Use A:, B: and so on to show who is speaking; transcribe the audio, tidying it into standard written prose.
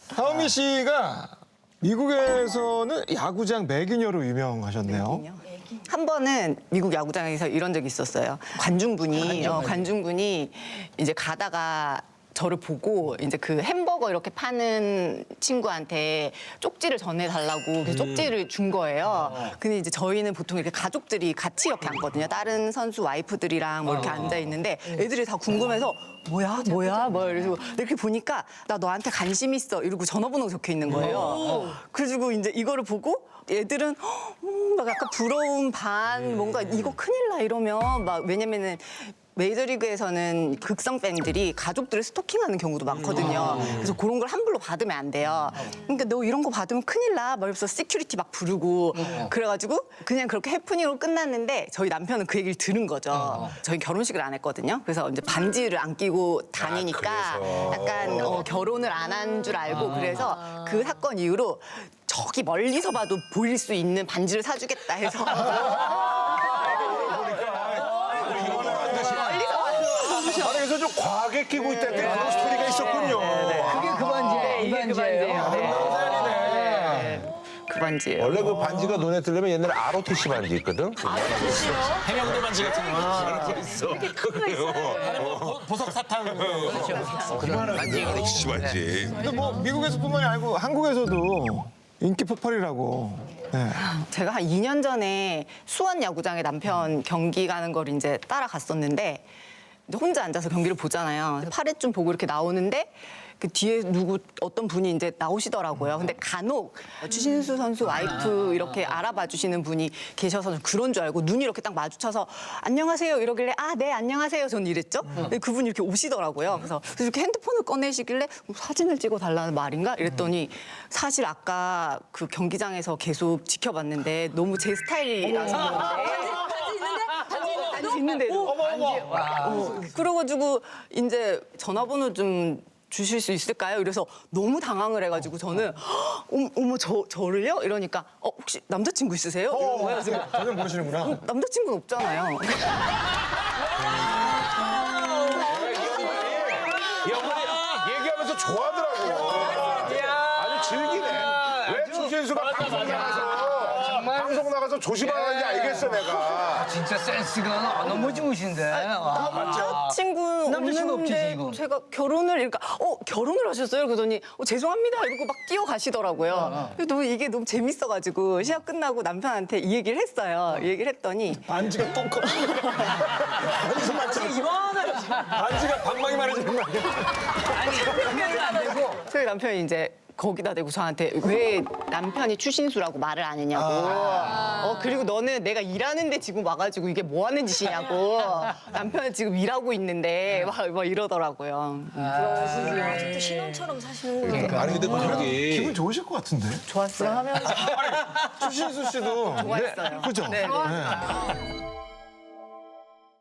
A: 하은미 씨가 미국에서는 야구장 매기녀로 유명하셨네요.
B: 한 번은 미국 야구장에서 이런 적이 있었어요. 관중분이 이제 가다가 저를 보고 이제 그 햄버거 이렇게 파는 친구한테 쪽지를 전해달라고 그래서 쪽지를 준 거예요. 근데 이제 저희는 보통 이렇게 가족들이 같이 이렇게 앉거든요. 다른 선수 와이프들이랑 뭐 이렇게 앉아 있는데 애들이 다 궁금해서 뭐야 이러고 이렇게 보니까 나 너한테 관심 있어 이러고 전화번호가 적혀 있는 거예요. 그래가지고 이제 이거를 보고 애들은 막 약간 부러움 반 뭔가 이거 큰일 나 이러면 막 왜냐면은 메이저리그에서는 극성 팬들이 가족들을 스토킹하는 경우도 많거든요. 그래서 그런 걸 함부로 받으면 안 돼요. 그러니까 너 이런 거 받으면 큰일 나. 막 이러면서 시큐리티 막 부르고 그래가지고 그냥 그렇게 해프닝으로 끝났는데 저희 남편은 그 얘기를 들은 거죠. 저희 결혼식을 안 했거든요. 그래서 이제 반지를 안 끼고 다니니까 약간 결혼을 안 한 줄 알고 그래서 그 사건 이후로 저기 멀리서 봐도 보일 수 있는 반지를 사주겠다 해서
C: 아니, 그래서 좀 과하게 끼고 있다는 그런 스토리가 있었군요.
D: 그게 그 반지예요. 이 반지예요.
B: 그 반지예요.
C: 원래 그 반지가 눈에 들려면 옛날에 ROTC 반지 있거든.
E: 해명도 반지 같은 거.
C: 있어.
E: 보석 사탕.
C: ROTC 반지.
A: 근데 뭐 미국에서뿐만이 아니고 한국에서도 인기 폭발이라고. 네.
B: 제가 한 2년 전에 수원 야구장에 남편 경기 가는 걸 이제 따라갔었는데 이제 혼자 앉아서 경기를 보잖아요. 8회쯤 보고 이렇게 나오는데 그 뒤에 어떤 분이 이제 나오시더라고요. 근데 간혹 추신수 선수 와이프 이렇게 알아봐 주시는 분이 계셔서 그런 줄 알고 눈이 이렇게 딱 마주쳐서 안녕하세요 이러길래 아, 네, 안녕하세요. 저는 이랬죠. 근데 그분이 이렇게 오시더라고요. 그래서 이렇게 핸드폰을 꺼내시길래 사진을 찍어 달라는 말인가 이랬더니 사실 아까 그 경기장에서 계속 지켜봤는데 너무 제 스타일이라서 반지 있는데도 그래가지고 이제 전화번호 좀 주실 수 있을까요? 이래서 너무 당황을 해가지고 저는 어머 저를요? 이러니까 혹시 남자친구 있으세요? 이런 거예요. 그래서
A: 전혀 모르시는구나.
B: 남자친구는 없잖아요.
C: 얘기하면서 좋아하더라고. 아주 즐기네. 왜 추신수가 방송 나가서 조심하는지 알겠어, 내가.
D: 진짜 센스가 너무 좋으신데.
B: 남자친구
D: 남자친구 없지,
B: 없는데
D: 지금.
B: 제가 결혼을 그러니까 결혼을 하셨어요? 그러더니 죄송합니다 이러고 막 뛰어가시더라고요. 또 이게 너무 재밌어가지고 시합 끝나고 남편한테 이 얘기를 했어요. 이 얘기를 했더니
A: 반지가 똥커. 반지 맞지? 반지가 방망이 말해주는 거 아니야?
D: 아니, 안 되고.
B: 저희 남편이 이제 거기다 대고 저한테 왜 남편이 추신수라고 말을 안 했냐고. 그리고 너는 내가 일하는데 지금 와가지고 이게 뭐 하는 짓이냐고. 남편은 지금 일하고 있는데 막 이러더라고요.
F: 아직도 신혼처럼 사시는구나.
C: 아니, 근데 그게
A: 기분 좋으실 것 같은데?
B: 좋았어요.
A: 추신수 씨도.
B: 좋아했어요.
A: 그죠?
B: 네.
A: 네.